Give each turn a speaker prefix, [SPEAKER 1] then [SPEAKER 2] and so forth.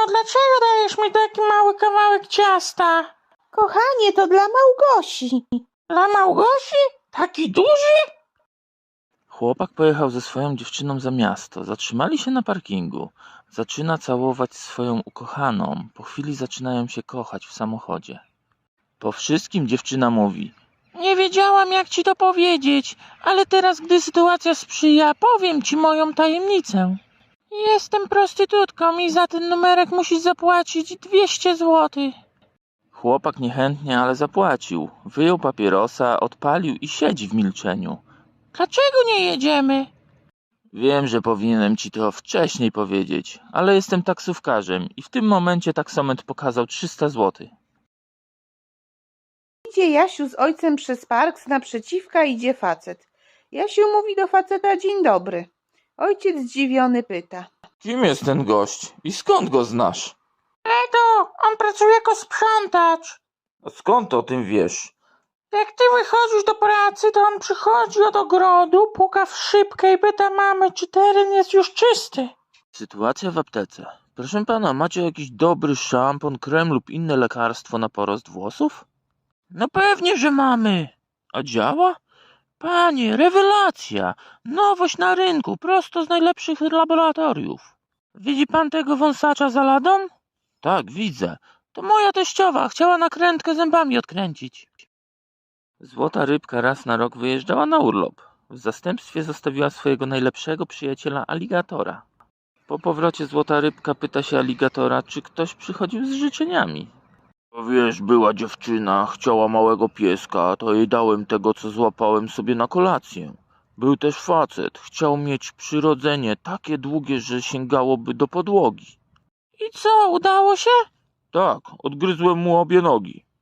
[SPEAKER 1] dlaczego dajesz mi taki mały kawałek ciasta?
[SPEAKER 2] Kochanie, to dla Małgosi.
[SPEAKER 1] Dla Małgosi? Taki duży?
[SPEAKER 3] Chłopak pojechał ze swoją dziewczyną za miasto. Zatrzymali się na parkingu. Zaczyna całować swoją ukochaną. Po chwili zaczynają się kochać w samochodzie. Po wszystkim dziewczyna mówi:
[SPEAKER 1] Nie wiedziałam, jak ci to powiedzieć, ale teraz, gdy sytuacja sprzyja, powiem ci moją tajemnicę. Jestem prostytutką i za ten numerek musisz zapłacić 200 zł.
[SPEAKER 3] Chłopak niechętnie, ale zapłacił. Wyjął papierosa, odpalił i siedzi w milczeniu.
[SPEAKER 1] Dlaczego nie jedziemy?
[SPEAKER 3] Wiem, że powinienem ci to wcześniej powiedzieć, ale jestem taksówkarzem i w tym momencie taksometr pokazał 300 zł.
[SPEAKER 2] Idzie Jasiu z ojcem przez park, z naprzeciwka idzie facet. Jasiu mówi do faceta: dzień dobry. Ojciec zdziwiony pyta:
[SPEAKER 3] Kim jest ten gość i skąd go znasz?
[SPEAKER 1] Edo, on pracuje jako sprzątacz.
[SPEAKER 3] A skąd o tym wiesz?
[SPEAKER 1] Jak ty wychodzisz do pracy, to on przychodzi od ogrodu, puka w szybkę i pyta mamy, czy teren jest już czysty.
[SPEAKER 3] Sytuacja w aptece. Proszę pana, macie jakiś dobry szampon, krem lub inne lekarstwo na porost włosów? No pewnie, że mamy. A działa? Panie, rewelacja! Nowość na rynku, prosto z najlepszych laboratoriów. Widzi pan tego wąsacza za ladą? Tak, widzę. To moja teściowa, chciała nakrętkę zębami odkręcić. Złota rybka raz na rok wyjeżdżała na urlop. W zastępstwie zostawiła swojego najlepszego przyjaciela aligatora. Po powrocie złota rybka pyta się aligatora, czy ktoś przychodził z życzeniami. Wiesz, była dziewczyna, chciała małego pieska, to jej dałem tego, co złapałem sobie na kolację. Był też facet, chciał mieć przyrodzenie takie długie, że sięgałoby do podłogi.
[SPEAKER 1] I co, udało się?
[SPEAKER 3] Tak, odgryzłem mu obie nogi.